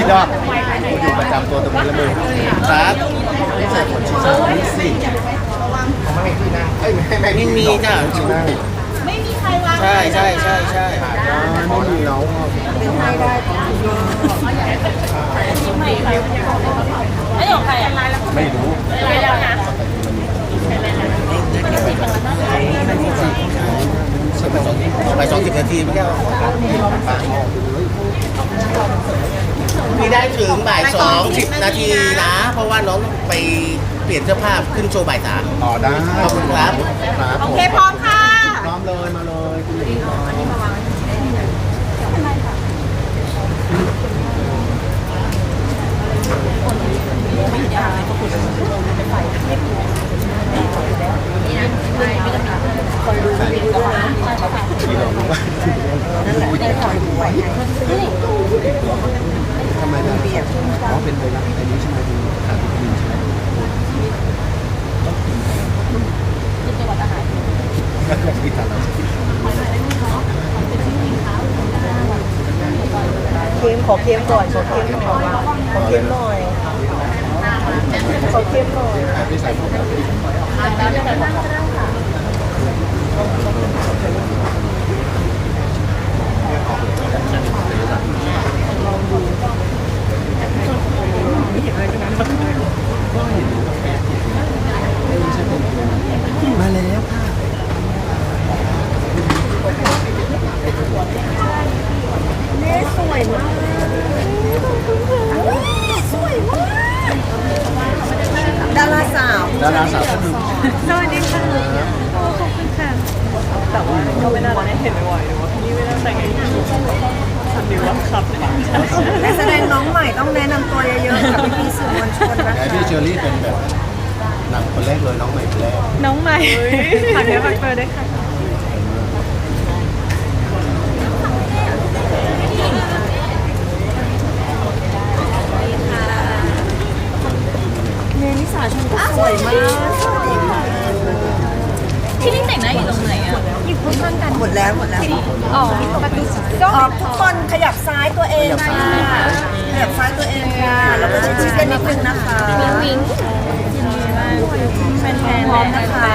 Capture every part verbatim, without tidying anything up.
ยอดกูอยู่ประจำตัวตรงนี้ละมึงครับนี่ใส่ขนชีสนี่สิไม่ให้ที่นั่งเอ้ยไม่ไม่ไม่มีจ้ะไม่มีใครวางใช่ใช่ใช่ใช่ไม่มีแล้วเป็นไทยได้ไอ้ของใครอ่ะไม่รู้ไม่แล้วนะไปสองสิบนาทีไม่ได้พี่ได้ถึงบ่ายสองสิบนาทีนะเพราะว่าน้องไปเปลี่ยนเสื้อผ้าขึ้นโชว์บ่ายสามต่อได้ขอบคุณครับโอเคพร้อมค่ะพร้อมเลยมาเลยคุณหญิงอันนี้มาวางคอยดูวิดีโอนะที่เรารู้ว่านั่นแหละได้คอยดูไว้ทำไมนะอ๋อเป็นไวรัสอันนี้ใช่ไหมดูขาดวิตามินใช่ไหมกินจังหวัดอาหารที่ทานเราเค็มขอเค็มก่อนขอเค็มหน่อยขอเค็มหน่อยขอเค็มหน่อยพี่ใส่ผมมาแล้วค่ะเน่สวยมากสวยมากดาราสาวดาราสาวก็คือสวัสดีค่ะขอบคุณค่ะแต่ว่าก็ไม่น่าได้เห็นบ่อยๆหรือว่าพี่ไม่น่าแต่งให้ฉันดีว่าครับนักแสดงน้องใหม่ต้องแนะนำตัวเยอะๆกับพี่ๆสื่อมวลชนนะคะพี่เชอรี่เป็นแบบหนังคนแรกเลยน้องใหม่คนแรกน้องใหม่ฝากเนื้อฝากตัวด้วยค่ะเนนิสาชมก็สวยมากที่นี่แต่งหน้าอยู่ตรงไหนอ่ะอยู่ข้างๆกันหมดแล้วหมดแล้วอ๋อประตูออกทุกคนขยับซ้ายตัวเองค่ะขยับซ้ายตัวเองค่ะแล้วก็ชิดๆกันนิดนึงนะคะวิงแฟนๆพร้อมนะคะ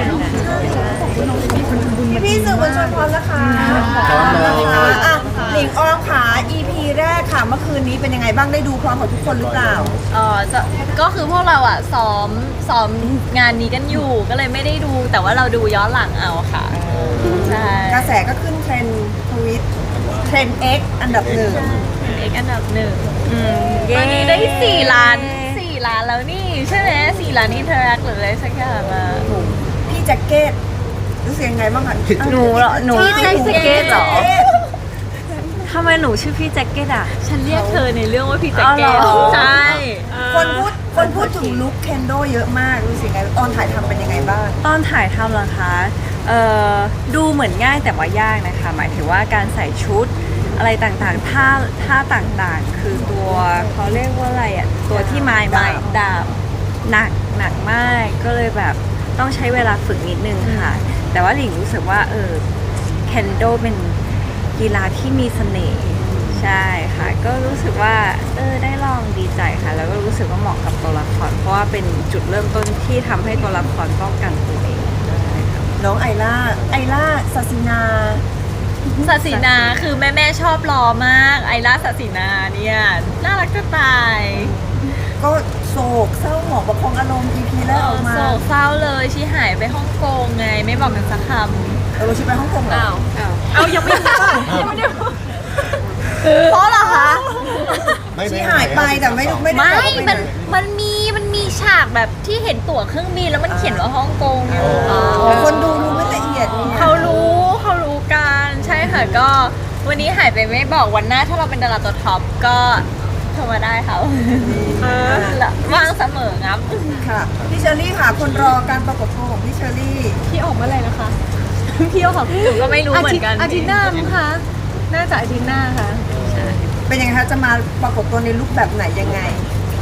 พี่ๆสื่อมวลชนพร้อมนะคะพร้อมแล้วอ่ะหลิงออมขา อี พี แรกค่ะเมื่อคืนนี้เป็นยังไงบ้างได้ดูพร้อมกับทุกคนหรือเปล่าเออจะก็คือพวกเราอ่ะซ้อมซ้อมงานนี้กันอยู่ก็เลยไม่ได้ดูแต่ว่าเราดูย้อนหลังเอาค่ะใช่กระแสก็ขึ้นเทรนด์ทวิตเทรนด์ X อันดับหนึ่งเอ็กอันดับหนึ่งตอนนี้ได้สี่ล้านสี่ล้านแล้วนี่ใช่ไหมสี่ล้านอินเทอร์แอคหรืออะไรสักอย่างอ่ะพี่แจ็คเก็ตรู้สึกยังไงบ้างคะหนูเหรอหนูพี่แจ็คเก็ตเหรอทำไมหนูชื่อพี่แจ็คเก็ตอ่ะฉันเรียกเธอในเรื่องว่าพี่แจ็คเก็ตใช่คนพูดคนพูดถึงลุคเคนโดเยอะมากรู้สึกไงตอนถ่ายทำเป็นยังไงบ้างตอนถ่ายทำเหรอคะเอ่อดูเหมือนง่ายแต่ว่ายากนะคะหมายถึงว่าการใส่ชุดอะไรต่างๆท่าท่าต่างๆคือตัวเขาเรียกว่าอะไรอ่ะตัวที่ไม้ไม้ดาบหนักหนักมากก็เลยแบบต้องใช้เวลาฝึกนิดนึงค่ะแต่ว่าหลิงรู้สึกว่าเออเคนโดเป็นกีฬาที่มีเสน่ห์ใช่ค่ะก็รู้สึกว่าเออได้ลองดีใจค่ะแล้วก็รู้สึกว่าเหมาะกับตัวละครเพราะว่าเป็นจุดเริ่มต้นที่ทำให้ตัวละครป้องกันตัวเองน้องไอล่าไอล่าศาสินาศาสินาคือแม่แม่ชอบรอมากไอล่าศาสินาเนี่ยน่ารักจะตายก็โศกเศร้าหมองประคองอารมณ์ อี พี แรกออกมาโศกเศร้าเลยชีหายไปฮ่องกงไงไม่บอกกันสักคำเออชีไปฮ่องกงเหรอเอายังไม่รู้ยังไม่ได้เพราะเหรอคะชีหายไปแต่ไม่ไม่ไม่มันมันมีมันมีฉากแบบที่เห็นตั๋วเครื่องบินแล้วมันเขียนว่าฮ่องกงอยู่คนดูรู้ไม่ละเอียดเขารู้เขารู้กันใช่ค่ะก็วันนี้หายไปไม่บอกวันหน้าถ้าเราเป็นดาราตัวท็อปก็โทรมาได้ค่ะว่างเสมอครับค่ะพี่เชอรี่ค่ะคนรอการประกบตัวของพี่เชอรี่พี่ออกเมื่อไหร่นะคะพี่ออกหนูก็ไม่รู้เหมือนกันอาทิตย์หน้ามั้งคะน่าจะอาทิตย์หน้าค่ะเป็นยังไงคะจะมาประกบตัวในลุคแบบไหนยังไง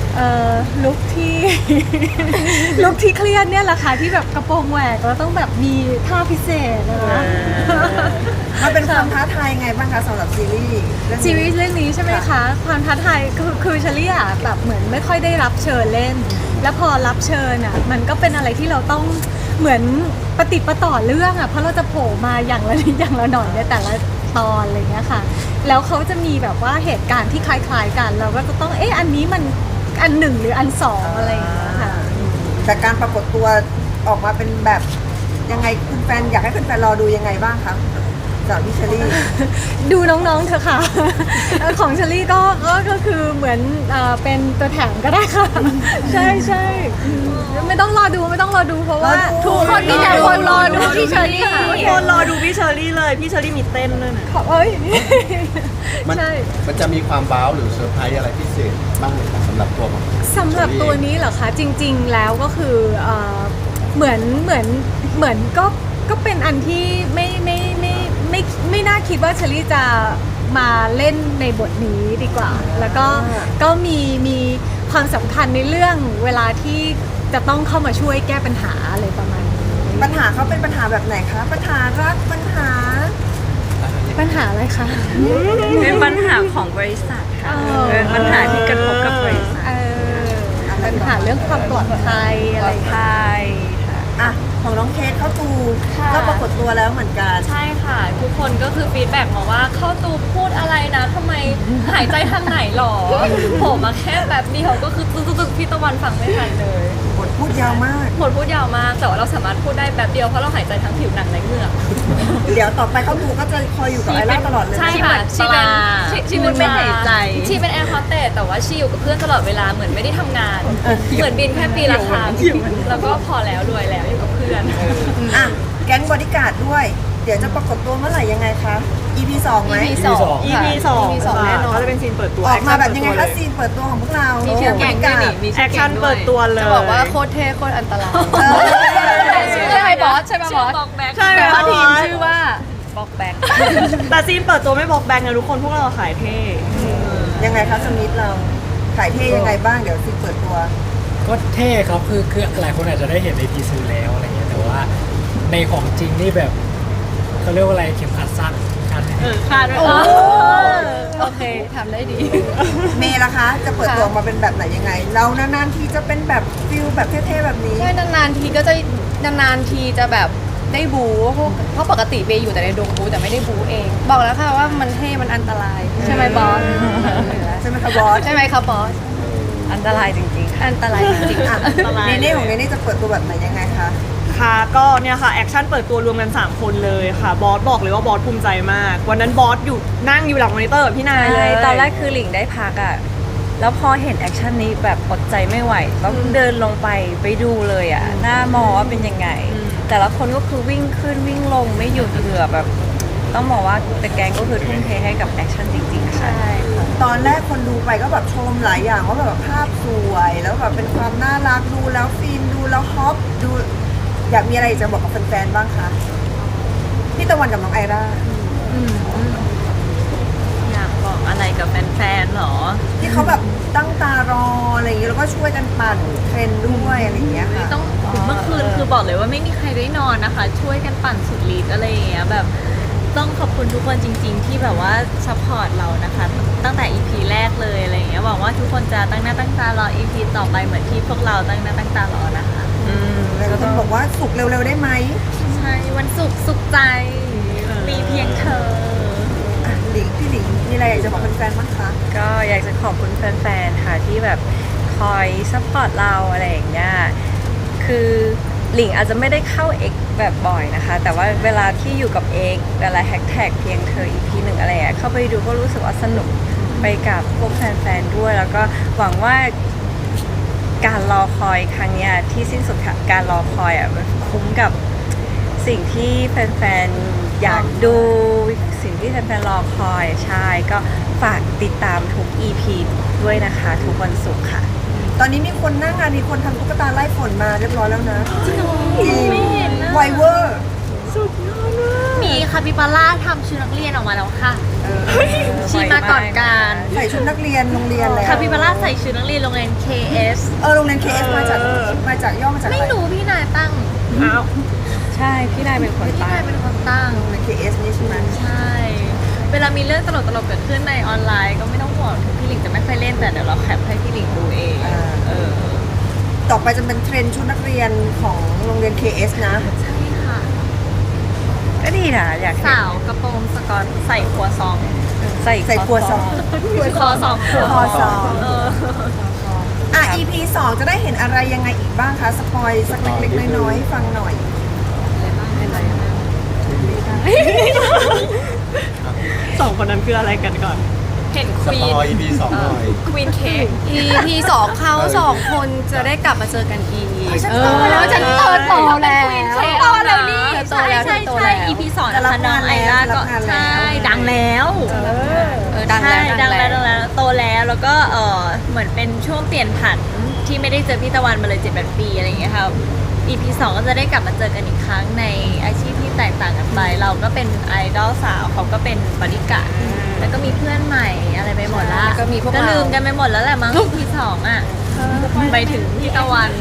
เอ่อลุคที่ ลุคที่เครียดเนี่ยแหละค่ะที่แบบกระโปรงแหวกแล้วต้องแบบมีท่าพิเศษนะคะมันเป็นความท้าทายไงบ้างคะสำหรับซีรีส์เรื่องนี้ซีรีส์เรื่องนี้ใช่ไหมคะ ความท้าทายคือคือเชลี่อะแบบเหมือนไม่ค่อยได้รับเชิญเล่น แล้วพอรับเชิญอ่ะมันก็เป็นอะไรที่เราต้องเหมือนปฏิดประต่อเรื่องอ่ะเพราะเราจะโผล่มาอย่างละนิดอย่างละหน่อยในแต่ละตอนอะไรเงี้ยค่ะ แล้วเขาจะมีแบบว่าเหตุการณ์ที่คล้ายๆกัน เราก็จะต้องเอ๊ะอันนี้มันอันหนึ่งหรืออันสองอะไรอย่างเงี้ยค่ะแต่การปรากฏตัวออกมาเป็นแบบยังไงคุณแฟนอยากให้คุณแฟนรอดูยังไงบ้างคะสำหรับพี่เชอรี่ดูน้องๆเถอะค่ะ ของเชลี่ก็ก็ก็คือเหมือนเอ่อเป็นตัวแถมก็ได้ค่ะ ใช่ใช่อืมไม่ต้องรอดูไม่ต้องรอดูเพราะว่ารอดูทุกคนมีแต่คนรอดูพี่เชลี่ทุกคนรอดูพี่เชอรี่เลยพี่เชอรี่มีเต้นด้วยนะขอเอ้ยมันใช่มันจะมีความว้าวหรือเซอร์ไพรส์อะไรพิเศษบ้างไหมครับสำหรับตัวของสำหรับตัวนี้เหรอคะจริง ๆ แล้วก็คือเอ่อเหมือนเหมือนเหมือนก็ก็เป็นอันที่ไม่ไม่ไม่ไม่ไม่น่าคิดว่าเชลี่จะมาเล่นในบทนี้ดีกว่า แล้วก็ก็มีมีความสำคัญในเรื่องเวลาที่จะต้องเข้ามาช่วยแก้ปัญหาอะไรประมาณนี้ปัญหาเขาเป็นปัญหาแบบไหนคะ ปัญหารักปัญหาปัญหาอะไรคะเป็นปัญหาของบริษัทค่ะอ๋อเป็นปัญหาที่กระทบกับบริษัทเออปัญหาเรื่องความปลอดภัยอะไรอย่างเงี้ยใช่ค่ะอ่ะ ของน้องเคสเข้าตูค่ะก็ปรากฏตัวแล้วเหมือนกันใช่ค่ะ ทุกคนก็คือฟีดแบ็กมาว่าเข้าตูพูดอะไรนะทำไมหายใจทางไหนหรอ ผมมาแค่แบบเดียวก็คือตึ๊กตึ๊กพี่ตะวันฟังไม่ทันเลยบทพูดยาวมากหมดพูดยาวมากแต่ว่าเราสามารถพูดได้แบบเดียวเพราะเราหายใจทั้งผิวหนังและเหงือกเดี๋ยวต่อไปเข้าตูก็จะคอยอยู่กับไอร่าตลอดเลยใช่ค่ะชีเป็นชีชีเป็นไม่หายใจชีเป็นแอร์โฮสเตสแต่ว่าชีอยู่กับเพื่อนตลอดเวลาเหมือนไม่ได้ทำงาน เหมือนบินแค่ปีละครั้งแล้วก็พอแล้วรวยแล้วอยู่กับเพื่อนอ่ะ แก๊งบอดี้การ์ดด้วย เดี๋ยวจะปรากฏตัวเมื่อไหร่ยังไงคะ อี พี สองไหมอี พี สองอีค่ะพีสองอี พี สองค่ะแน่นอนก็จะเป็นซีนเปิดตัวออกมาแบบยังไงแอคะคชั่นซีนเปิดตัวของพวกเรามีชื่อแก๊งด้วยนี่มีแอคชั่นเปิดตัวเลยจะบอกว่าโคตรเท่โคตรอันตรายเออใช่ไหมบอสใช่ไหมบอสใช่ไหมแต่ว่าบอสทีมชื่อว่าบ็อกแบ็กแต่ซีนเปิดตัวไม่บอกแบงค์นะทุกคนพวกเราขายเท่ยังไงคะสมิธเราขายเท่ยังไงบ้างเดี๋ยวซีนเปิดตัวก็เท่ครับคือคือหลายคนอาจจะได้เห็นในทีซือแล้วอะไรเงี้ยแต่ว่าในของจริงนี่แบบเขาเรียกว่าอะไรเข็มขัดสั้นคาดไม่ถึงคาดไว้โอ้เออโอเคทำได้ดีเมย์ล่ะคะ จะเปิดตัวออกมาเป็นแบบไหนยังไง เรานานๆทีจะเป็นแบบฟิลแบบเท่ๆแบบนี้ใช่นานๆทีก็จะนานๆทีจะแบบได้บูเพราะเพราะปกติเบย์อยู่แต่ในดงบูแต่ไม่ได้บูเอง บอกแล้วค่ะว่ามันเท่มันอันตราย ใช่ไหมบอสใช่ไหมคะบอสใช่ไหมคะบอสอันตรายจริงๆค่ะอันตรายจริงๆอ่ะอันตรายเนเน่ของเนเน่จะเปิดตัวแบบไหนยังไงคะค่ะก็เนี่ยค่ะแอคชั่นเปิดตัวรวมกันสามคนเลยค่ะบอสบอกเลยว่าบอสภูมิใจมาก วันนั้นบอสอยู่นั่งอยู่หลังมอนิเตอร์กับพี่นายเลยตอนแรกคือหลิงได้พักอะแล้วพอเห็นแอคชั่นนี้แบบอดใจไม่ไหว ต้องเดินลงไปไปดูเลยอะหน้ามอว่าเป็นยังไง แต่ละคนก็คือวิ่งขึ้นวิ่งลงไม่หยุดเหงื่อแบบ ต้องบอกว่าแต่แกงก็คือทุ่มเทให้กับแอคชั่นจริงๆค่ะตอนแรกคนดูไปก็แบบชมหลายอย่างว่าแบบภาพสวย แล้วแบบเป็นความน่ารักดูแล้วฟินดูแล้วฮอปดู อยากมีอะไรจะบอกกับแฟนๆบ้างคะพี่ตะวันกับน้องไอร่าอยากบอกอะไรกับแฟนๆหรอที่เขาแบบตั้งตารออะไรอย่างเงี้ยแล้วก็ช่วยกันปั่นเทรนด์ด้วยอะไรอย่างเงี้ยค่ะต้องเมื่อคืนคือบอกเลยว่าไม่มีใครได้นอนนะคะ ช่วยกันปั่นสุดฤทธิ์อะไรอย่างเงี้ยแบบต้องขอบคุณทุกคนจริง ๆ ที่แบบว่าซัพพอร์ตเรานะคะ ตั้งแต่ อี พี แรกเลยอะไรอย่างเงี้ยหวังว่าทุกคนจะตั้งหน้าตั้งตารอ อี พี ต่อไปเหมือนที่พวกเราตั้งหน้าตั้งตารอนะคะอืมแล้วก็บอกว่าสุกเร็วๆได้ไหมใช่วันศุกร์สุขใจมีเพียงเธออ่ะหลิงพี่หลิงมีอะไรอยากจะบอกแฟนๆบ้างคะก็อยากจะขอบคุณแฟนๆ ค่ะที่แบบคอยซัพพอร์ตเราอะไรอย่างเงี้ย คือหลิงอาจจะไม่ได้เข้าเอกแบบบ่อยนะคะ แต่ว่าเวลาที่อยู่กับเอกเวลาแฮชแท็กเพียงเธอ อี พี หนึ่งอะไรอะเข้าไปดูก็รู้สึกว่าสนุกไปกับพวกแฟนๆ ด้วย แล้วก็หวังว่าการรอคอยครั้งเนี้ยที่สิ้นสุดค่ะการรอคอยอ่ะมันคุ้มกับสิ่งที่แฟนๆ อยากดูสิ่งที่แฟนๆ รอคอยใช่ก็ฝากติดตามทุก อี พี ด้วยนะคะ ทุกวันศุกร์ค่ะตอนนี้มีคนหน้างานมีคนทำตุ๊กตาไล่ฝนมาเรียบร้อยแล้วนะจริงไม่เห็นนะไวเวอร์สุดยอดมีคาปิบาร่าทำชุดนักเรียนออกมาแล้วค่ะชีมาก่อนการใส่ชุดนักเรียนโรงเรียนแล้วคาปิบาร่าใส่ชุดนักเรียนโรงเรียน เค เอสเออโรงเรียน เค เอส มาจากมาจากย่อมาจากอะไม่ไรรู้พี่นายตั้งอ้าวใช่พี่นายเป็นคนพี่ตั้นายงเป็นคนตั้งโรงเรียน เค เอส นี่ใช่ไหมใช่ เวลามีเรื่องตลกๆเกิดขึ้นในออนไลน์ก็ไม่ต้องห่วงถึงพี่หลิงจะไม่ค่อยเล่นแต่เดี๋ยวเราแคปให้พี่หลิงดูเองเออต่อไปจะเป็นเทรนด์ชุดนักเรียนของโรงเรียน เค เอส นะใช่ค่ะก็ดีนะอยากเห็นสาวกระโปรงสกอตใส่ครัวซองใส่ใส่ครัวซองคอซองครัวซองเอออ่ะ อี พี สองจะได้เห็นอะไรยังไงอีกบ้างคะ สปอยสักเล็กๆน้อยๆให้ฟังหน่อยสองคนนั้นคืออะไรกันก่อนเห็นคสวีปนอย อี พี สองหน่อยควีนเค้กอี พี สองเขาสองคนจะได้กลับมาเจอกันอีกฉันเอโตอแล้วฉันโตโตแล้วโตแล้วนี่โตใช่แล้วใช่โตใช่แล้วอีพีสองจะนะรับคะน้องงานไอแล้วล่ารัก็บงานแล้วใช่ดังแล้วเออดังแล้วใช่ดังแล้วดังแล้วโตแล้วแล้วก็เออเหมือนเป็นช่วงเปลี่ยนผันที่ไม่ได้เจอพี่ตะวันมาเลยเจ็ดแปดปีอะไรอย่างเงี้ยค่ะ อี พี สองก็จะได้กลับมาเจอกันอีกครั้งในอาชีพที่แตกต่างกันไป เราก็เป็นไอดอลสาวเขาก็เป็นบริการดแล้วก็มีเพื่อนใหม่อะไรไปหมดละก็มีพวกเราลืมกันไปหมดแล้วแหละมั้ง อี พี สองอ่ะไปถึงพี่ตะวัน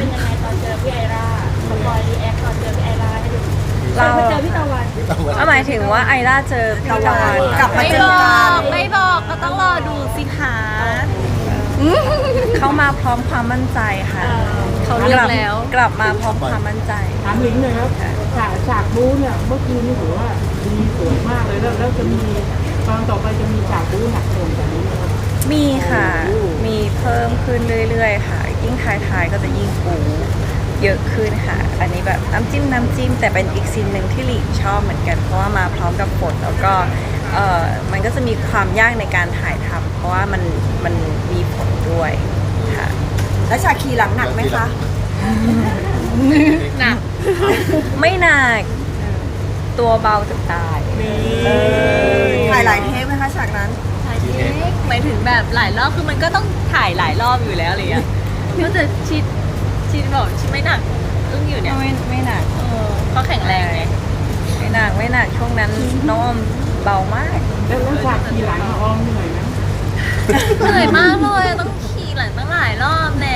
เราเอาหมายถึงว่าไอร่าเจอพี่ตะวันกลับมาไม่เจบออกันกไม่บอกก็ต้องรอดูสิคะเข้ามาพร้อมความมั่นใจค่ะเขาเลือกแล้วกลับมาพร้อมความมั่นใจถามหลิงหน่อยครับฉากฉากบู๊เนี่ยเมื่อคืนนี่ถือว่าดีสวยมากเลยแล้วแล้วจะมีตอนต่อไปจะมีฉากบู๊หนักหน่วงกว่านี้ไหมครับมีค่ะ มีเพิ่มขึ้นเรื่อยๆ ค่ะ ยิ่งท้ายๆก็จะยิ่งปูเยอะขึ้นค่ะ อันนี้แบบน้ำจิ้มน้ำจิ้มแต่เป็นอีกซีนหนึ่งที่หลีชอบเหมือนกัน เพราะว่ามาพร้อมกับฝนแล้วก็เออมันก็จะมีความยากในการถ่ายทำเพราะว่ามันมันมีฝนด้วยค่ะแล้วฉากขี่หลังหนักไหมคะหนักไม่หนักตัวเบาจะตายถ่ายหลายเทปไหมคะฉากนั้นถ่ายเทคหมายถึงแบบหลายรอบคือมันก็ต้องถ่ายหลายรอบอยู่แล้วอะไรอย่างเงี้ยก็จะชิดชิดบอกชิดไม่หนักอึ้งอยู่เนี่ยไม่ไม่หนักเออเขาแข็งแรงไงไม่หนักไม่หนักช่วงนั้นน้องออมเบามากแล้วแล้วฉากขี่หลังอะออมเหนื่อยไหมเหนื่อยมากเลยต้องขี่หลังตั้งหลายรอบแน่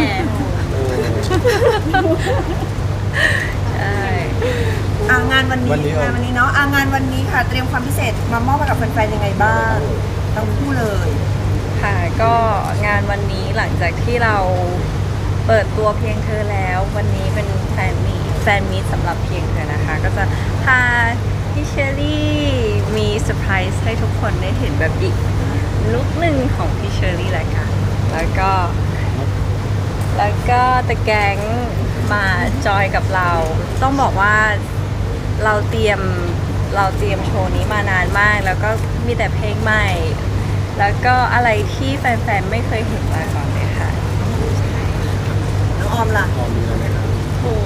ใช่อ่างานวันนี้วันนี้งานวันนี้เนาะอ่างานวันนี้ค่ะ เตรียมความพิเศษมามอบให้กับแฟนๆยังไงบ้างทั้งคู่เลยค่ะก็งานวันนี้หลังจากที่เราเปิดตัวเพียงเธอแล้ว วันนี้เป็นแฟนมีแฟนมีตสำหรับเพียงเธอนะคะ ก็จะพาพี่เชอรี่มีเซอร์ไพรส์ให้ทุกคนได้เห็นแบบอีกลุคหนึ่งของพี่เชอรี่แหละค่ะแล้วก็ แล้วก็ตะแกงมาจอยกับเรา ต้องบอกว่าเราเตรียมเราเตรียมโชว์นี้มานานมาก แล้วก็มีแต่เพลงใหม่ แล้วก็อะไรที่แฟนๆไม่เคยเห็นมาก่อนเลยค่ะน้องออมล่ะออมมีอะไรไหมครับโอ้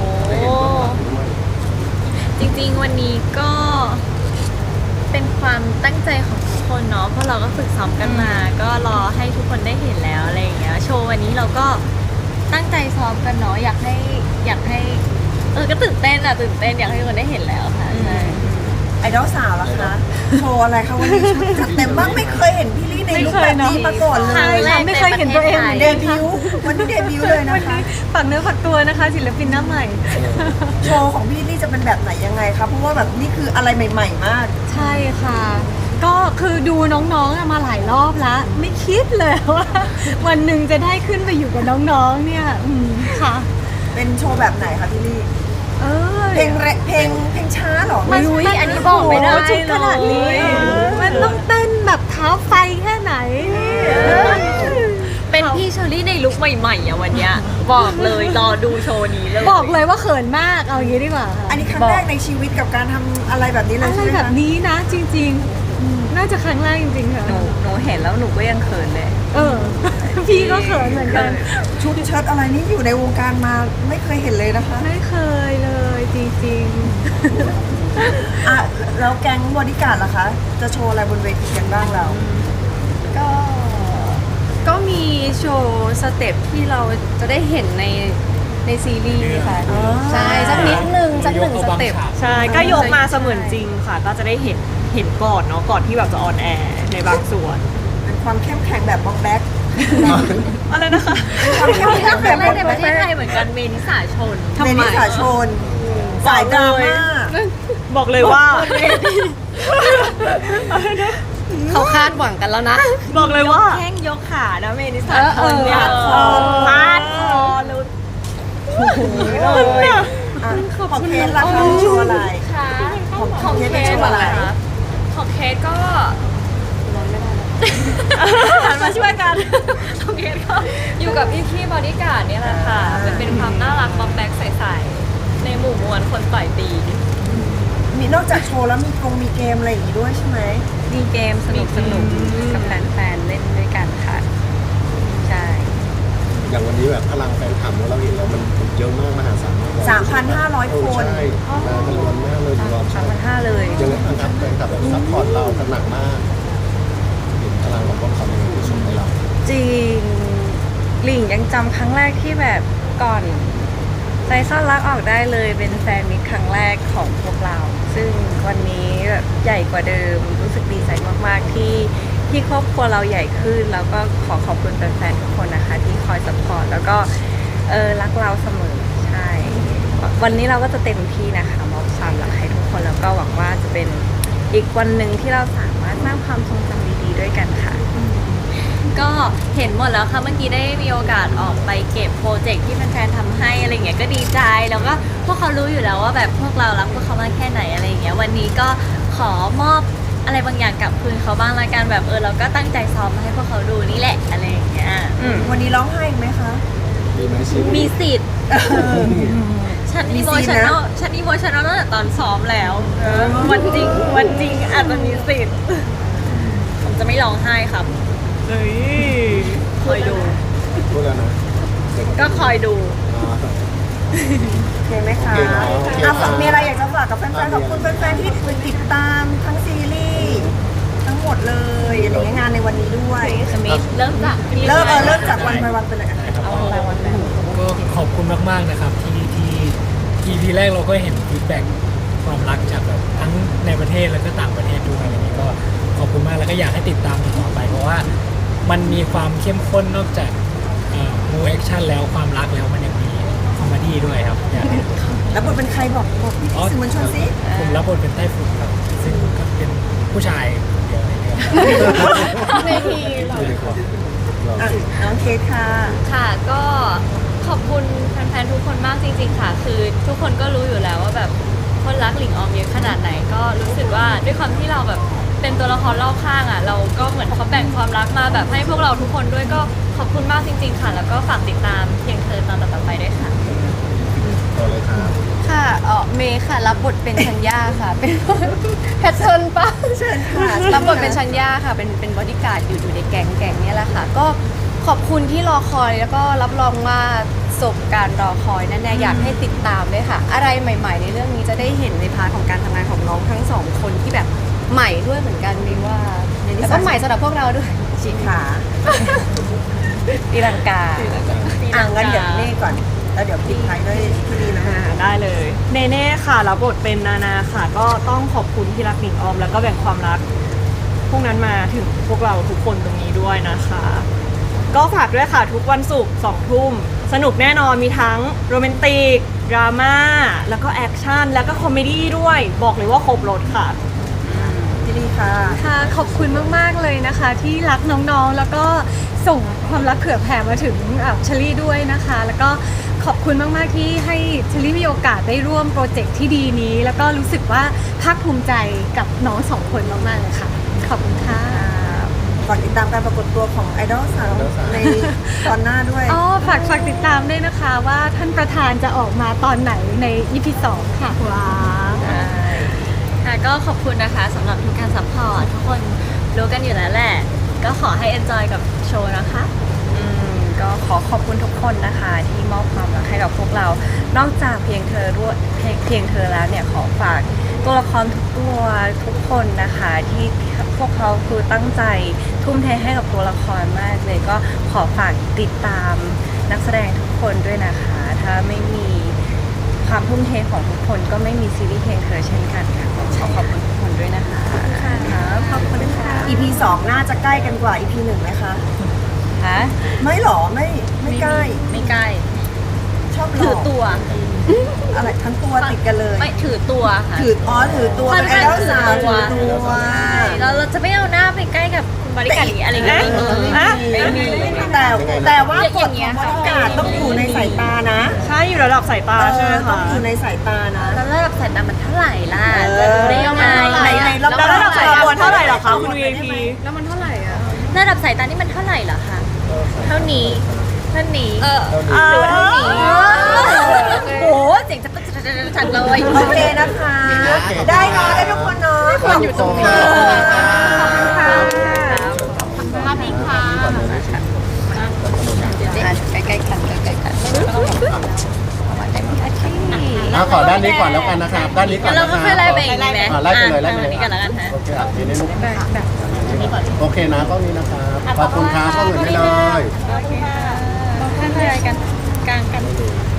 จริงๆวันนี้ก็เป็นความตั้งใจของทุกคนเนาะเพราะเราก็ฝึกซ้อมกันมา ก็รอให้ทุกคนได้เห็นแล้วอะไรอย่างเงี้ยโชว์วันนี้เราก็ตั้งใจซ้อมกันเนาะอยากให้อยากให้เออก็ตื่นเต้นอะตื่นเต้นอยากให้ทุกคนได้เห็นแล้วค่ะใช่ไอดอลสาวล่ะคะ โชว์อะไรคะวันนี้จัดเต็มมากไม่เคยเห็นพี่ลี่ในลุคแบบนี้มาก่อนเลครั้งยแรกไม่เคยเห็นตัวเองเหมือนเดกันบิวต์วันนี้เดบิวต์เลยนะคะฝากเนื้อฝากตัวนะคะศิลปินหน้าใหม่โชว์ของพี่ลี่จะเป็นแบบไหนยังไงคะเพราะว่าแบบนี่คืออะไรใหม่ ๆ มากใช่ค่ะ ก็คือดูน้องๆอะมาหลายรอบแล้ว ไม่คิดเลยว่า วันหนึ่งจะได้ขึ้นไปอยู่กับน้องๆเนี่ยอืมค่ะเป็นโชว์แบบไหนคะพี่ลี่เออเพลงแรเพลงเพลงช้าเหรอไม่รู้อันนี้บอกไม่ได้โโหชุขนาดนี้เลยมันต้องเต้นแบบเท้าไฟแค่ไหนเป็นพี่เชอรี่ในลุคใหม่ๆอะวันเนี้ยบอกเลยรอดูโชว์นี้เลยบอกเลยว่าเขินมากเอาอย่างนี้ดีกว่าค่ะอันนี้ครั้งแรกในชีวิตกับการทำอะไรแบบนี้เลยอะไรใช่ไหมแบบคะนี้นะจริงๆอืมน่าจะครั้งแรกจริงๆค่ะหนูหนูเห็นแล้วหนูก็ยังเขินเลยเออ พี่ก็เขินเหมือนกันชุดเชิ้ตอะไรนี่อยู่ในวงการมาไม่เคยเห็นเลยนะคะไม่เคยเลยจริงอ่ะแล้วแก๊งบอดี้การ์ดล่ะคะ จะโชว์อะไรบนเวทีกันบ้างเราก็ ก็มีโชว์สเต็ปที่เราจะได้เห็นในในซีรีส์ค่ะอ๋อใช่สักนิดนึงสักหนึ่งสเต็ปใช่ก็ยกมาเสมือนจริงค่ะ ก็จะได้เห็นเห็นก่อนเนาะก่อนที่แบบจะออนแอร์ในบางส่วนเป็นความเข้มแข็งแบบบ็อกแบ็คอะไรนะคะความเข้มแข็งคแบรั้บงแรบ็อกกในประเทแบ็ศคไทยเหมือนกันเมนิสาชนเมนิสาชน สายดราม่าบอกเลยว่าเขาคาดหวังกันแล้วนะบอกเลยว่าแข้งยกขานะเมนิสาเออชนเนี่ยเออพาดคอเลยเลยอ่ะของเคสราคาโชว์อะไรค่ะของของเคเคสสโชว์อะไรเหรอคะของเคสก็หันมาช่วยกันของเคสก็อยู่กับพี่พี่บอดี้การ์ดเนี่ยแหละค่ะมันเป็นความน่ารักบ็อกแบ็กใสๆในหมู่มวลคนต่อยตีมีนอกจากโชว์แล้วมีกงมีเกมอะไรอย่างงี้ด้วยใช่ไหมมีเกมสนุกสนุกๆกับแฟนๆเล่นด้วยกันค่ะ ใช่อย่างวันนี้แบบพลังแฟนคลับเราเห็นแล้วมันเยอะมากมหาศาลมากสามพันห้าร้อยคนใช่มากันล้วนมากเลยรอบสามพันห้าเลยยังไงบ้างครับแฟนคลับแบบซัพพอร์ตเรากันหนักมากเห็นพลังของพวกเขาในการชมให้เราจริงหลิงยังจำครั้งแรกที่แบบก่อนใจซ่อนรักออกได้เลยเป็นแฟนมิตรครั้งแรกของพวกเรา ซึ่งวันนี้แบบใหญ่กว่าเดิมรู้สึกดีใจมากๆที่ที่ครอบครัวเราใหญ่ขึ้น แล้วก็ขอขอบคุณแฟนๆทุกคนนะคะ ที่คอยสปอร์ตแล้วก็เออรักเราเสมอใช่วันนี้เราก็จะเต็มที่นะคะมอบความรักให้ทุกคนแล้วก็หวังว่าจะเป็นอีกวันหนึ่งที่เราสามารถสร้างความทรงจำดีๆด้วยกันค่ะก็เห็นหมดแล้วค่ะเมื่อกี้ได้มีโอกาสออกไปเก็บโปรเจกต์ที่แฟนๆทำให้อะไรเงี้ยก็ดีใจแล้วก็พวกเขารู้อยู่แล้วว่าแบบพวกเรารักพวกเขามากแค่ไหนอะไรเงี้ยวันนี้ก็ขอมอบอะไรบางอย่างกลับคืนเขาบ้างละกันแบบเออเราก็ตั้งใจซ้อมมาให้พวกเขาดูนี่แหละอะไรอย่างเงี้ยวันนี้ร้องไห้อีกไหมคะมีไหมชิมีสิทธิ์ฉันมีอีโมซีนชันนะแนลฉันอีโมชันแนลตั้งแต่ตอนซ้อมแล้ววันจริงวันจริงอาจจะมีสิทธิ์ผมจะไม่ร้องไห้ครับเฮ้ยคอยดูพูดแล้วนะก็คอยดูอ่าโอเคไหมคะโอเคเนอะโอเคอ่ะครับมีอะไรอยากจะฝากกับแฟนๆขอบคุณแฟนๆที่ติดตามทั้งซีรีส์ทั้งหมดเลยอะไรเงี้ยงานในวันนี้ด้วยสมิธเริ่มจากเริ่มเออเริ่มจากวันไปวันไปเลยอ่ะเอารางวัลไปก็ขอบคุณมากๆนะครับที่ที่ อี พี แรกเราก็เห็นฟีดแบ็กความรักจากแบบทั้งในประเทศแล้วก็ต่างประเทศด้วยอะไรอย่างนี้ก็ขอบคุณมากแล้วก็อยากให้ติดตามต่อไป เพราะว่ามันมีความเข้มข้นนอกจากมูแอคชั่นแล้วความรักแล้วมันยังมีคอมเมดี้ด้วยครับอยากให้แล้วบทเป็นใครบอกบอกพี่ๆสื่อมวลชนสิผมรับบทเป็นไต้ฝุ่นครับซึ่งก็เป็นผู้ชายเดียวในเรื่องในทีมอ่ะน้องเคสค่ะค่ะก็ขอบคุณแฟนๆทุกคนมากจริงๆค่ะ คือทุกคนก็รู้อยู่แล้วว่าแบบคนรักหลิงออมเยอะขนาดไหนก็รู้สึกว่าด้วยความที่เราแบบเป็นตัวละครรอบข้างอ่ะเราก็เหมือนเขาแบ่งความรักมาแบบให้พวกเราทุกคนด้วยก็ขอบคุณมากจริง ๆ ค่ะ แล้วก็ฝากติดตามเพียงเธอตอนต่อๆไปด้วยค่ะต่อเลยครับค่ะเออเมย์ค่ะรับบทเป็นชัญญาค่ะ เป็น แพทเทิร์นปะเชิญค่ะรับบทเป็นชัญญาค่ะ เป็นเป็นบอดี้การ์ดอยู่อยู่ในแก๊งแก๊งเนี้ยแหละค่ะ ก็ขอบคุณที่รอคอยแล้วก็รับรองว่าสบการรอคอยแน่ๆอยากให้ติดตามด้วยค่ะ อะไรใหม่ ๆ ในเรื่องนี้จะได้เห็นในพาร์ทของการทำงานของน้องทั้งสองคนที่แบบใหม่ด้วยเหมือนกันมีว่าแล้วก็ใหม่สำหรับพวกเราด้วยชีขาตีลังกาอ่ะงั้นเดี๋ยวนี่ก่อน แล้วเดี๋ยวปิดท้ายด้วยที่ดีนะอ่าได้เลย เนเน่ค่ะรับบทเป็นนานาค่ะ ก็ต้องขอบคุณที่รักหนิงออม แล้วก็แบ่งความรัก พวกนั้นมาถึงพวกเราทุกคนตรงนี้ด้วยนะคะ ก็ฝากด้วยค่ะทุกวันศุกร์สองทุ่มสนุกแน่นอนมีทั้งโรแมนติก ดราม่า แล้วก็แอคชั่น แล้วก็คอมเมดี้ด้วย บอกเลยว่าครบรถค่ะที่ดีค่ะค่ะขอบคุณมาก ๆ เลยนะคะ ที่รักน้องๆ แล้วก็ส่งความรักเผื่อแผ่มาถึงอ่ะเชลี่ด้วยนะคะ แล้วก็ขอบคุณมาก ๆ ที่ให้เชลี่มีโอกาสได้ร่วมโปรเจกต์ที่ดีนี้ แล้วก็รู้สึกว่าภาคภูมิใจกับน้องสองคนมาก ๆ เลยค่ะ ขอบคุณค่ะก่อนติดตามการปรากฏตัวของไอดอลสาวในตอนหน้าด้วยอ๋อ ฝากฝากติดตามด้วยนะคะว่าท่านประธานจะออกมาตอนไหนใน อี พี สองค่ะ ว้าวค่ะก็ขอบคุณนะคะสำหรับทุกการซัพพอร์ตทุกคนรู้กันอยู่แล้วแหละ ก็ขอให้ enjoy กับโชว์นะคะอืมก็ขอขอบคุณทุกคนนะคะที่มอบความรักให้กับพวกเรา นอกจากเพียงเธอด้วยเพียงเพียงเธอแล้วเนี่ยขอฝากตัวละครทุกตัวทุกคนนะคะที่พวกเขาคือตั้งใจทุ่มเทให้กับตัวละครมากเลยก็ขอฝากติดตามนักแสดงทุกคนด้วยนะคะ ถ้าไม่มีความทุ่มเทของทุกคนก็ไม่มีซีรีส์เพลงเธอเช่นกันค่ะขอขอบคุณทุกคนด้วยนะคะครับขอบคุณค่ะอี พี สองน่าจะใกล้กันกว่า อี พี หนึ่งไหมคะฮะไม่หรอไม่ไม่ใกล้ไม่ใกล้ชอบหลถืออกตัวอะไรทั้งตัวติดกันเลยไม่ถือตัวค่ะถืออ๋อถือตัวเป็นไอดอลสาวถือตัวเราเราจะไม่เอาหน้าไปใกล้กับคุณบริการอะไรอย่างเงี้ยไม่มีไม่มีแต่แต่ว่าอย่างกฎเงี้ขยองบริการต้องอยู่ในสายตานะใช่อยู่ระดับสายตาเอใช่ไหมอต้อคะงอยู่ในสายตานะแล้วระดับสายตามันเท่าไหร่ล่ะเอจะอรู้ได้ยังไงไหนไหนเราแล้วระดับสายตาเท่าไหร่เหรอคะคุณ วี ไอ พีแล้วมันเท่าไหร่อะระดับสายตานี่มันเท่าไหร่เหรอคะเท่านี้เท่านี้เออหรือว่าเท่านี้โอ้โหเสียงจะจะจะฉันเลยโอเคนะคะ ได้เนาะได้ทุกคนเนาะคนอยู่ตรงนี้ภาพพิงค่ะใกล้ๆกันใกล้ๆกันประมาณได้ไหมอาชีพอ่ะขอด้านนี้ก่อนแล้วกันนะครับ ด้านนี้ก่อนเรานะคก็รับค่อยไล่ไปอีกดีไหมอ่ะไล่ไปเลยไล่ไปอ่ะเลยอันนี้กันแล้วกันฮะโอเคอ่ะทีนี้ลูกโอเคนะกล้องนี้นะครับขอบคุณครับกล้องอื่นไม่เลยค่อยๆไล่กันกลางกัน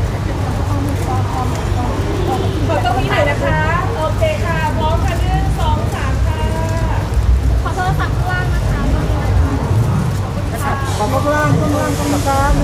ขอตรงนี้หน่อยนะคะ โอเคค่ะ พร้อมค่ะหนึ่งสองสามค่ะขอบคุณล่างข้างล่างข้างล่าง